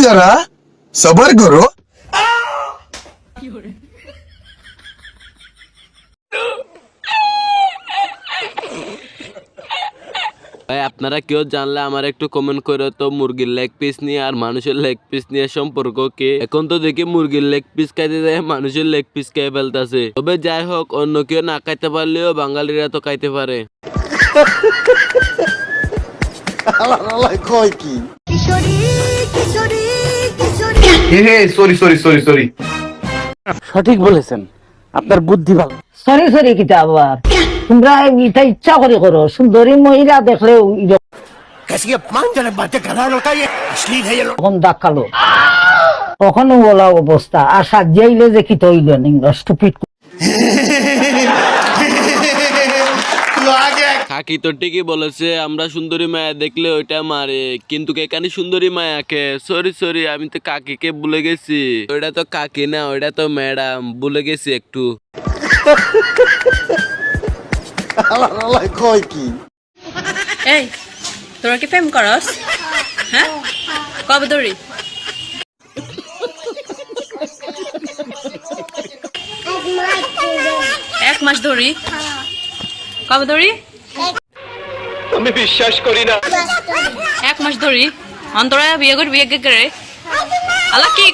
जरा सबर करो। ভাই আপনারা কেউ জানলে আমার একটু কমেন্ট করে তো মুরগির লেগ পিস নিয়ে আর মানুষের লেগ পিস নিয়ে সম্পর্ক কি? এখন তো দেখি মুরগির লেগ পিস খাইতে যায় মানুষের লেগ পিস খেয়ে ফেলতেছে। তবে যাই হোক, অন্য কেউ না খাইতে পারলেও বাঙালিরা তো খাইতে পারে। সঠিক বলেছেন, আপনার বুদ্ধি ভালো। সরি সরি কিতা আবার তোমরা এটা ইচ্ছা করে করো, সুন্দরী মহিলা দেখলে তখন দেখালো কখনো বলা অবস্থা আর সাজিয়াইলে যে কি তৈল স্টুপিড। কাকি তো ঠিকই বলেছে, আমরা সুন্দরী মায়া দেখলে ওইটা মারে, কিন্তু এখানে সুন্দরী মায়াকে সরি আমি তো কাকিকে ভুলে গেছি। ওইটা তো কাকি না, ওইটা তো ম্যাডাম, ভুলে গেছি একটু। এই তোরা কি প্রেম করস? হ্যাঁ, কবে ধরি? এক মাস ধরি। কবে ধরি? আমি বিশ্বাস করি না। এক মাস ধরি। অন্তরা বিয়ে করে বিয়ে করে আল্লাহ কি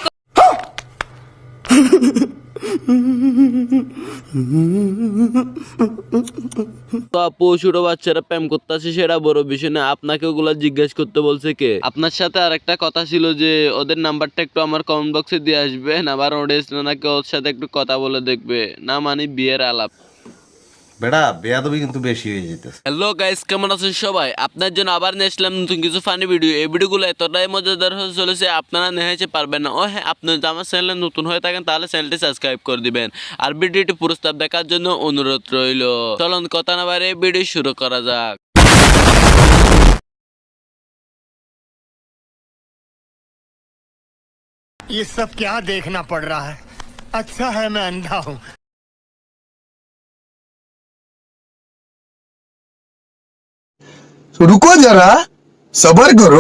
তো আপু, ছোট বাচ্চারা প্রেম করতেছে সেটা বড় বিষয় না, আপনাকে ওগুলা জিজ্ঞেস করতে বলছে কে? আপনার সাথে আর একটা কথা ছিল যে ওদের নাম্বারটা একটু আমার কমেন্ট বক্সে দিয়ে আসবেন, আবার অডিয়েন্স নাকি ওর সাথে একটু কথা বলে দেখবে, না মানে বিয়ের আলাপ। বেড়া বেয়াদবি কিন্তু বেশি হয়ে যেতেছে। হ্যালো গাইস, কেমন আছেন সবাই? আপনার জন্য আবার নিয়ে আসলাম নতুন কিছু ফানি ভিডিও। এই ভিডিওগুলো এতটাই মজাদার হতে চলেছে আপনারা নেহাইতে পারবেন না। ও হ্যাঁ, আপনি যদি আমার চ্যানেলে নতুন হয়ে থাকেন তাহলে চ্যানেলটি সাবস্ক্রাইব করে দিবেন আর ভিডিওটি পুরস্কার দেখার জন্য অনুরোধ রইল। চলুন কথা না বাড়িয়ে ভিডিও শুরু করা যাক। ये सब क्या देखना पड़ रहा है? अच्छा है मैं अंधा हूँ। रुको जरा सबर करो।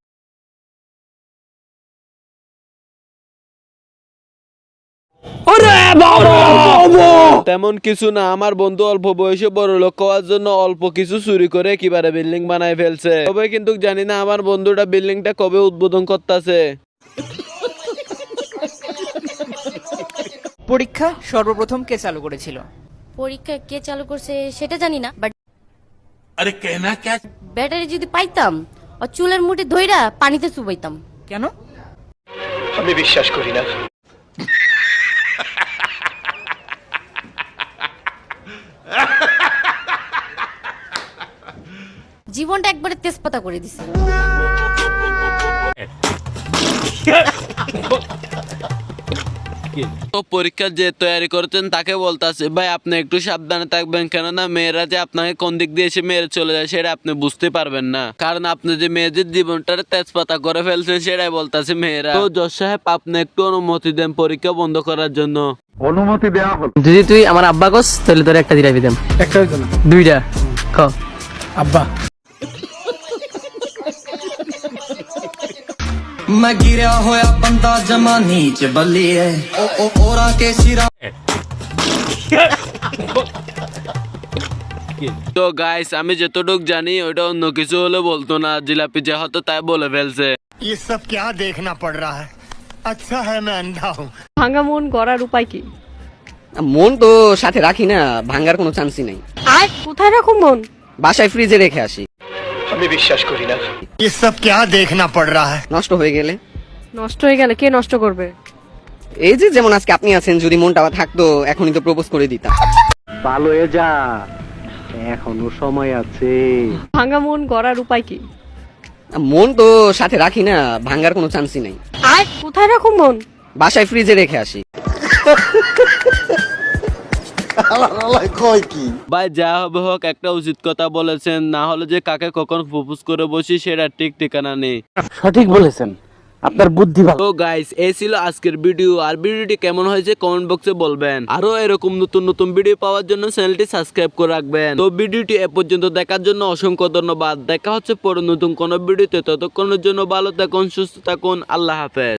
তেমন কিছু না, আমার বন্ধু অল্প বয়সে বড় লোক হওয়ার জন্য অল্প কিছু চুরি করে কিভাবে বিল্ডিং বানায় ফেলছে। তবে কিন্তু জানি না আমার বন্ধুটা বিল্ডিংটা কবে উদ্বোধন করতেছে। পরীক্ষা সর্বপ্রথম কে চালু করেছিল? পরীক্ষা কে চালু করছে সেটা জানি না, বাট अरे कहना क्या? ব্যাটারি যদি পাইতাম আর চুলের মুঠি ধইরা পানিতে চুবাইতাম। কেন? আমি বিশ্বাস করি না। জীবনটা একবারে তেজপাতা করে দিছে। তো পরীক্ষার যে তৈরি করছেন তাকে বলতেছে, ভাই আপনি একটু সাবধানে থাকবেন, কেননা মেয়েরা যে আপনাকে কোন দিক দিয়ে এসে মেরে চলে যায় সেটা আপনি বুঝতে পারবেন না, কারণ আপনি যে মেয়েদের জীবনটারে তেজপাতা করে ফেলছেন সেটাই বলতেছে মেয়েরা। তো জজ সাহেব, আপনি একটু অনুমতি দেন পরীক্ষা বন্ধ করার জন্য। অনুমতি দেওয়া হলো। যদি তুই আমার আব্বা কস তাহলে তোর একটা দিরাবি দেন। একটা হইতো না, দুইটা ক আব্বা। मैं गिरा होया बंदा जमा नीच बलिए ओ ओरा के सिरा। তো গাইস, আমি যতটুক জানি ওইটা অন্য কিছু হলে বলতো না, জিলাপি যা হতো তাই বলে ফেলছে। ये सब क्या देखना पड़ रहा है? अच्छा है मैं अंधा हूँ। ভাঙা মন গড়ার উপায় কি? মন তো সাথে রাখি না, ভাঙার কোনো চান্সই নাই। আর কোথায় রাখো মন? বাসায় ফ্রিজে রেখে আসি। আমি বিশ্বাস করি না। ये सब क्या देखना पड़ रहा है? নষ্ট হয়ে গেলে? নষ্ট হয়ে গেলে কে নষ্ট করবে? এই যে যেমন আজকে আপনি আছেন, যদি মনটা থাকতো এখনই তো প্রপোজ করে দিতাম। ভালো হয়ে যা, এখনো সময় আছে। ভাঙা মন গড়ার উপায় কি? মন তো সাথে রাখি না, ভাঙার কোনো চান্সই নাই। আর কোথায় রাখো মন? বাসায় ফ্রিজে রেখে আসি। ভাই যা হবে হোক, একটা উচিত কথা বলেছেন, না হলে যে কাকে কখন প্রপোজ করে বসি সেটা ঠিক ঠিকানা নেই। সঠিক বলেছেন, আপনার বুদ্ধি ভালো। তো গাইস এই ছিল আজকের ভিডিও। আর ভিডিওটি কেমন হয়েছে কমেন্ট বক্সে বলবেন। আরো এরকম নতুন নতুন ভিডিও পাওয়ার জন্য চ্যানেলটি সাবস্ক্রাইব করে রাখবেন। তো ভিডিওটি এ পর্যন্ত দেখার জন্য অসংখ্য ধন্যবাদ। দেখা হচ্ছে পরে নতুন কোন ভিডিওতে। ততক্ষণের জন্য ভালো থাকুন, সুস্থ থাকুন, আল্লাহ হাফেজ।